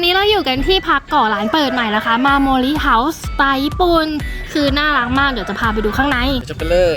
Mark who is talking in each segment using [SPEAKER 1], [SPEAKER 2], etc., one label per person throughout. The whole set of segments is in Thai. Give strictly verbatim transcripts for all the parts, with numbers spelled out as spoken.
[SPEAKER 1] นี้เราอยู่กันที่พักก่อร้านเปิดใหม่นะคะมาโมริเฮาส์สไตล์ญี่ปุ่นคือน่ารักมากเดี๋ยวจะพาไปดูข้างใน
[SPEAKER 2] จะไปเลย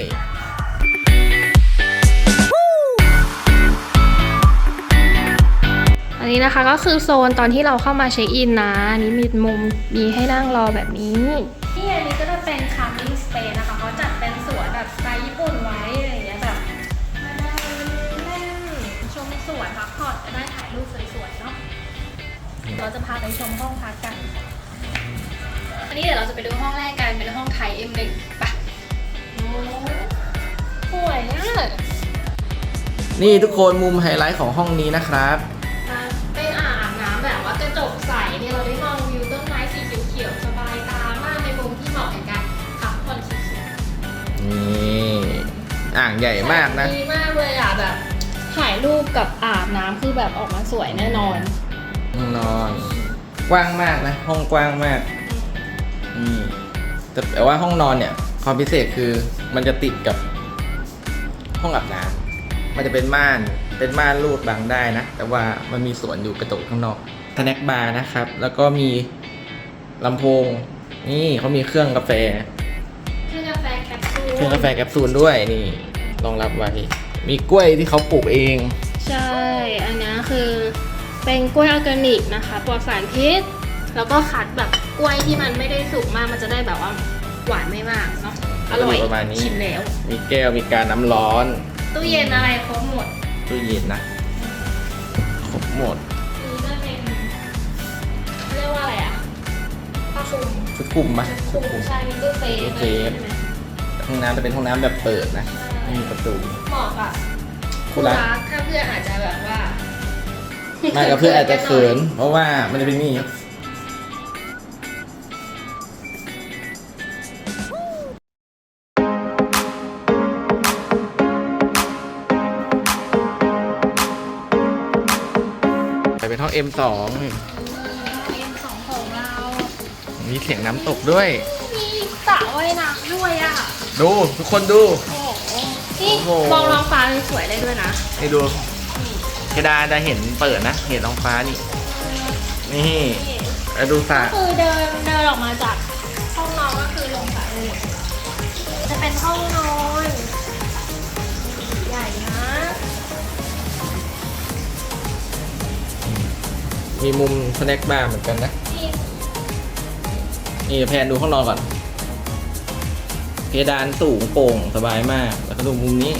[SPEAKER 1] อันนี้นะคะก็คือโซนตอนที่เราเข้ามาเช็คอินนะนี่มีมุมมีให้นั่งรอแบบนี้ที่อันนี้ก็จะเป็นคัมมิ่งสเปซนะคะเขาจัดเป็นสวนแบบสไตล์ญี่ปุ่นไว้อะไรอย่างเงี้ยแบบมาได้เล่นชมสวนพักผ่อนจะได้ถ่ายรูปสวยๆเนาะเราจะพาไปชมห้องพักกันอันนี้เดี๋ยวเราจะไปดูห้องแรกกันเป็นห้องไทย เอ็ม หนึ่ง ไปโอ้สวยอ่ะ
[SPEAKER 2] นี่ทุกคนมุมไฮไลท์ของห้องนี้นะครับ
[SPEAKER 1] เป็นอ่างอาบน้ำแบบว่ากระจกใสเนี่ยเราได้มองวิวต้นไม้สีเขียวๆสบายตามากในมุมที่เหมาะกับการพักผ่อนสุด
[SPEAKER 2] ๆนี่อ่างใหญ่มากนะ
[SPEAKER 1] ดีมากเลยอ่ะแบบถ่ายรูปกับอาบน้ำคือแบบออกมาสวยแน่นอน
[SPEAKER 2] ห้องนอนกว้างมากนะห้องกว้างมากนี่แต่ว่าห้องนอนเนี่ยความพิเศษคือมันจะติดกับห้องอาบน้ำมันจะเป็นม่านเป็นม่านรูดบังได้นะแต่ว่ามันมีสวนอยู่กระจกข้างนอกสแน็คบาร์นะครับแล้วก็มีลำโพงนี่เขามีเครื่องกาแฟ
[SPEAKER 1] เครื่องกาแฟแคปซูล
[SPEAKER 2] เครื่องกาแฟแคปซูลด้วยนี่รองรับไว้มีกล้วยที่เขาปลูกเอง
[SPEAKER 1] ใช่อันนี้คือเป็นกล้วยออร์แกนิกนะคะปลอดสารพิษแล้วก็คัดแบบกล้วยที่มันไม่ได้สุกมากมันจะได้แบบว่าหวานไม่มากเนาะอร่อย
[SPEAKER 2] ประมาณนี้
[SPEAKER 1] ชิมแล้ว
[SPEAKER 2] มีแก้วมีการน้ำร้อน
[SPEAKER 1] ตู้เย็นอะไรครบหมด
[SPEAKER 2] ตู้เย็นนะครบหมด
[SPEAKER 1] นี่ก็เป็นเรียกว่าอะไรอ่ะผ้าคลุม
[SPEAKER 2] ชุดคลุมไหม
[SPEAKER 1] ชุดคลุมใช่มีตู้เซฟ
[SPEAKER 2] เซฟห้องน้ำจะเป็นห้องน้ำแบบเปิดนะไม่มีประตู
[SPEAKER 1] เหมาะกับคู่รักถ้าเพื่อนอาจจะแบบว่า
[SPEAKER 2] ไม่กับเพื่อนอาจจะเขินเพราะว่ามันจะเป็นนี่เป็นห้อง เอ็ม สอง
[SPEAKER 1] เอ็ม สอง ของเรา
[SPEAKER 2] มีเสียงน้ำตกด้วย
[SPEAKER 1] มีสระว่ายน้ำด้วยอ่ะ
[SPEAKER 2] ดูทุกคนดู
[SPEAKER 1] โอ้โหนี่มองท้องฟ้าสวยได้ด้วยนะ
[SPEAKER 2] ให้ดูกระดานจะเห็นเปิดนะเห็นท้องฟ้านี่นี่แล้วดูสระ
[SPEAKER 1] คือเดินเดินออกมาจากห้องนอนก็คือลงสระเลยจะเป็นห้องนอนใหญ่นะ
[SPEAKER 2] มีมุมสแน็คบาร์เหมือนกันนะนี่แพนดูห้องนอนก่อนเพดานสูงโปร่งสบายมากแล้วก็ดูมุมนี้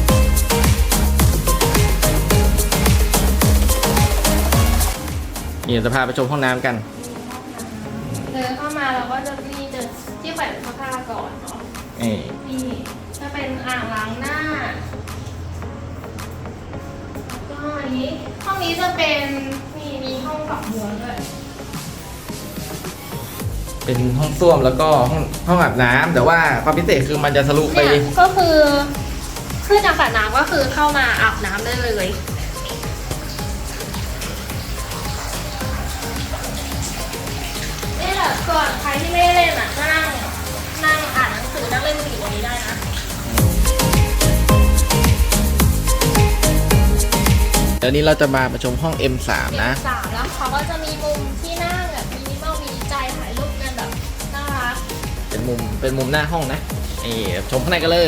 [SPEAKER 2] นี่จะพาไปชมห้องน้ำกัน
[SPEAKER 1] เดินเข้ามาเราก็จะมีเดินที่แขวนเสื้อผ้าก่อนเนาะนี่จะเป็นอ่างล้างหน้าก็อันนี้ห้องนี้จะเป็นมีมีห้องฝักบัวด้วย
[SPEAKER 2] เป็นห้องส้วมแล้วก็ห้องห้องอาบน้ำแต่ว่าความพิเศษคือมันจะทะลุไป
[SPEAKER 1] ก็คือขึ้นจากสระน้ำก็คือเข้ามาอาบน้ำได้เลยนี่แหละส่วนใครที่ไม่ได้เล่นอ่ะก็นั่งนั่งอ่านหนังสือนั่งเล่นมือถือตรงนี้ได้นะ
[SPEAKER 2] เดี๋ยวนี้เราจะมาประชมห้อง เอ็ม สาม นะ
[SPEAKER 1] เอ็ม สาม แล้วเขาก็จะมีมุมที่นั่งแบบมินิมอลมีใจถ่ายรูปกันแบบน่ารัก
[SPEAKER 2] เป็นมุมเป็นมุมหน้าห้องนะนี่ชมข้างในกันเลย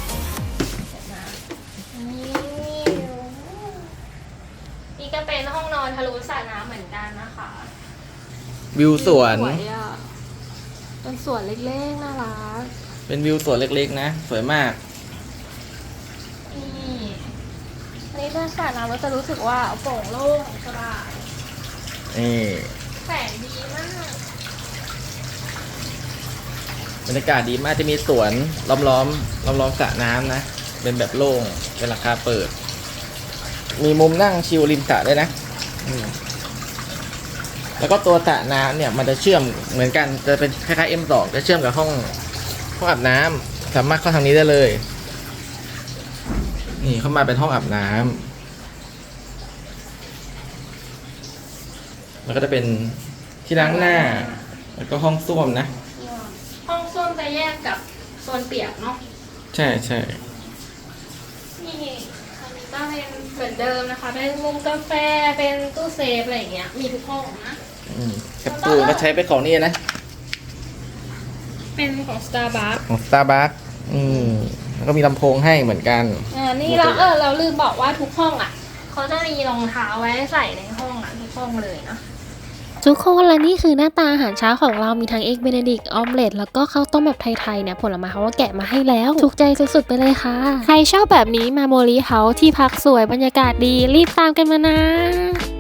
[SPEAKER 1] นี่ก็เป็นห้องนอนทะลุสระน้ำเหมือนกันนะคะ
[SPEAKER 2] วิวสวน
[SPEAKER 1] เป็นสวนเล็กๆน่ารัก
[SPEAKER 2] เป็นวิวสวนเล็กๆนะสวยมาก
[SPEAKER 1] นี่อันนี้ถ้าสระน้ำเราจะรู้สึกว่าโปร่งโล่งสบาย
[SPEAKER 2] นี่
[SPEAKER 1] แสงดีมาก
[SPEAKER 2] บรรยากาศดีมากจะมีสวนล้อมล้อมล้อมล้อมสระน้ำนะเป็นแบบโล่งเป็นราคาเปิดมีมุมนั่งชิลริมสระด้วยนะแล้วก็ตัวสระน้ำเนี่ยมันจะเชื่อมเหมือนกันจะเป็นคล้ายๆ เอ็ม สอง จะเชื่อมกับห้องห้องอาบน้ำสามารถเข้าทางนี้ได้เลยนี่เข้ามาเป็นห้องอาบน้ำแล้วก็จะเป็นที่ล้างหน้าแล้วก็ห้องส้วมนะ
[SPEAKER 1] ห้องส้วมจะแยกกับโซนเปียกเนาะ
[SPEAKER 2] ใช่ใช่
[SPEAKER 1] นี่อันนี้ก็เป็นเหมือนเดิมนะคะเป็นมุมกาแฟเป็นตู้เซฟอะไรอย่างเงี้ยมีทุกห้องนะ
[SPEAKER 2] อืมแคปซูลก็ใช้เป็นของนี่นะ
[SPEAKER 1] เป็นของ Starbucks
[SPEAKER 2] ของ Starbucks อืมแล้วก็มีลำโพงให้เหมือนกัน
[SPEAKER 1] อ่านี่เราเออเราลืมบอกว่าทุกห้องอ่ะเขาจะมีรองเท้าไว้ใส่ในห้องอ่ะทุกห้องเลยนะทุกคนและนี่คือหน้าตาอาหารเช้าของเรามีทั้งเอ็กเบเนดิกออมเล็ตแล้วก็ข้าวต้มแบบไทยๆเนี่ยผลไม้เขาก็แกะมาให้แล้วถูกใจสุดๆไปเลยค่ะใครชอบแบบนี้มาโมลีเฮาส์ที่พักสวยบรรยากาศดีรีบตามกันมานะ